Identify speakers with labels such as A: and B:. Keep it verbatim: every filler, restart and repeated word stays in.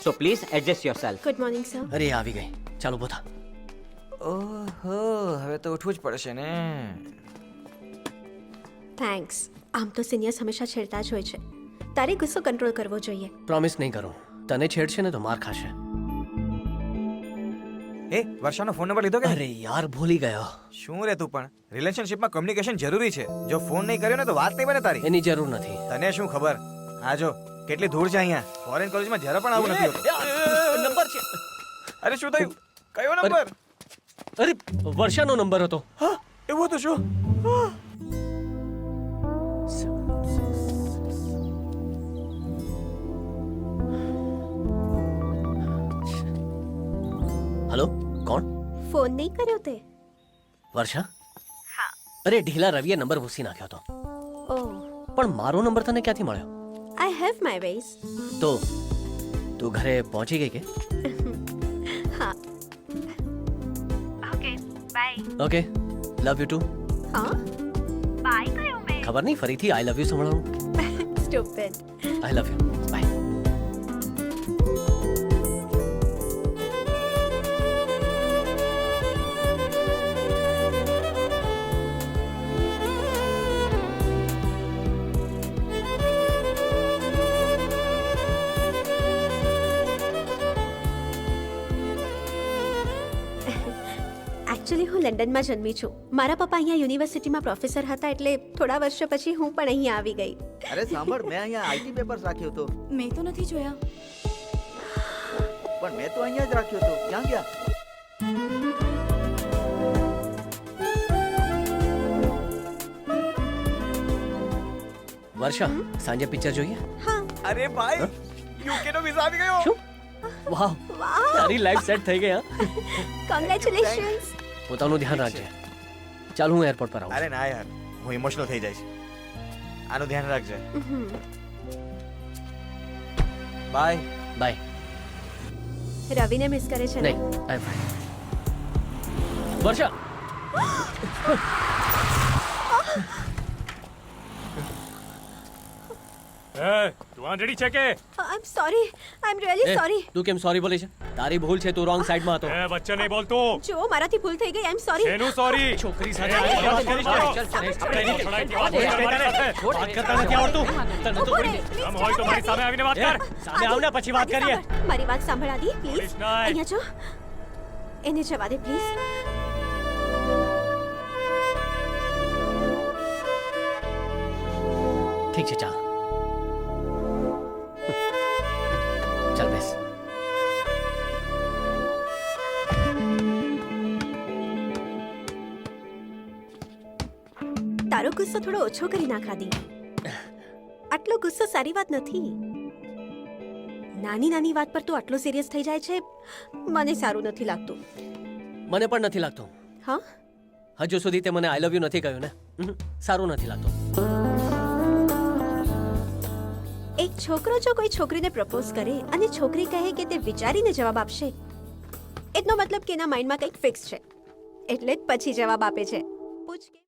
A: So please adjust yourself.
B: Good morning sir.
C: અરે આવી ગઈ. ચાલો બોથા.
D: ઓહો હવે તો ઉઠવું જ પડશે ને.
B: થેન્ક્સ. આમ તો સિનિયર્સ હંમેશા છેડતા જ હોય છે. તારે ગુસ્સો કંટ્રોલ કરવો જોઈએ.
C: પ્રોમિસ નહીં કરું. તને છેડશે ને તો માર ખાશે.
D: એ વર્ષાનો ફોન નંબર લીધો કે
C: અરે યાર ભૂલી ગયો.
D: શું રે તું પણ રિલેશનશિપમાં કમ્યુનિકેશન જરૂરી છે. જો ફોન નહીં કર્યો ને તો વાત નહીં બને તારી.
C: એની જરૂર નથી.
D: તને શું ખબર આ જો કેટલી ધૂળ છે અહીંયા. ફોરેન કોલેજમાં જરા પણ આવું નથી હોતું.
C: નંબર છે.
D: અરે શું થયું? કયો નંબર?
C: અરે વર્ષાનો નંબર હતો.
D: હા એવું હતું શું?
C: હેલો કોણ?
B: ફોન નહીં કર્યો તે?
C: વર્ષા?
B: હા.
C: અરે ઢીલા રવિએ નંબર ભૂસી નાખ્યો હતો.
B: ઓહ,
C: પણ મારો નંબર તને ક્યાંથી મળ્યો?
B: I have my ways.
C: તો તું ઘરે પહોંચી ગઈ કે?
B: હા. Okay bye.
C: Okay love you too.
B: હા બાય કયો મેં?
C: ખબર નહીં ફરીથી આઈ લવ યુ સંભળાવું.
B: Stupid.
C: I love you bye.
B: Actually હું લંડનમાં જન્મી છું. મારા પપ્પા અહીંયા યુનિવર્સિટીમાં પ્રોફેસર હતા, એટલે થોડા વર્ષો પછી હું પણ અહીંયા આવી ગઈ.
E: અરે સાંભળ, મેં અહીંયા આઈટી પેપર્સ રાખ્યો હતો.
F: મેં તો નથી જોયા.
E: પણ મેં તો અહીંયા જ રાખ્યો હતો. ક્યાં ગયા?
C: વર્ષા સાંજે પિક્ચર જોઈએ?
B: હા.
D: અરે ભાઈ યુકે નો વિઝા આવી ગયો.
C: શું? વાહ
B: વાહ,
C: તારી લાઈફ સેટ થઈ ગઈ. હા
B: કોંગ્રેચ્યુલેશન્સ.
C: પોતાનું ધ્યાન રાખજે. ચાલ હું એરપોર્ટ પર આવું.
D: અરે ના યાર હું ઇમોશનલ થઈ જઈશ. આનું ધ્યાન રાખજે. બાય.
C: બાય.
B: રવિને મિસ કરે છે ને?
C: નહીં આઈ ફાઇન. વર્ષા
G: એ તું આંધળી છે કે?
B: I am sorry. I am really
C: uh,
B: sorry.
C: તું કેમ સોરી બોલે છે? તારી ભૂલ છે, તું રોંગ સાઈડમાં હતો.
G: એ વચ્ચે નહીં બોલતો.
B: જો મારાથી ભૂલ થઈ ગઈ. I am sorry.
G: એનું સોરી.
C: છોકરી
G: સાથે આવી વાત કરીશ તો?
C: ચાલ, ચાલ, ચાલ,
G: આપણે એની
C: ચાલ,
G: છોડાઈ
C: ચાલ,
G: વાત
C: ચાલ,
G: કરવાની
C: ચાલ,
G: સાથે.
C: છોડ,
G: વાત કરતા નથી આવડતું.
C: તને તો
B: ઉભો રહે,
C: થોડી-
B: please.
G: આમ હોય તો મારી સામે આવીને વાત
C: એ,
G: કર.
C: સામે આવ ને પછી વાત
B: આદિ,
C: કરીએ.
B: સાંભળ. મારી વાત સાંભળ આદિ, પ્લીઝ.
G: પોલીસ નહીં.
B: અહીંયા જો. એને જવા દે પ્લીઝ.
C: ઠીક છે ચાલ. ચાલ બેસ.
B: તારો ગુસ્સો થોડો ઓછો કરી નાખ આદિ. આટલો ગુસ્સો સારી વાત નથી. નાની નાની વાત પર તું આટલો સિરિયસ થઈ જાય છે, મને સારું નથી લાગતું.
C: મને પણ નથી લાગતું.
B: હા?
C: હજુ સુધી તે મને આઈ લવ યુ નથી કહ્યું ને. હમ, સારું નથી લાગતું.
B: એક છોકરો જો કોઈ છોકરીને પ્રપોઝ કરે અને છોકરી કહે કે તે વિચારીને જવાબ આપશે, એટલો મતલબ કે એના માઇન્ડમાં કંઈક ફિક્સ છે, એટલે જ પછી જવાબ આપે છે. પૂછ કે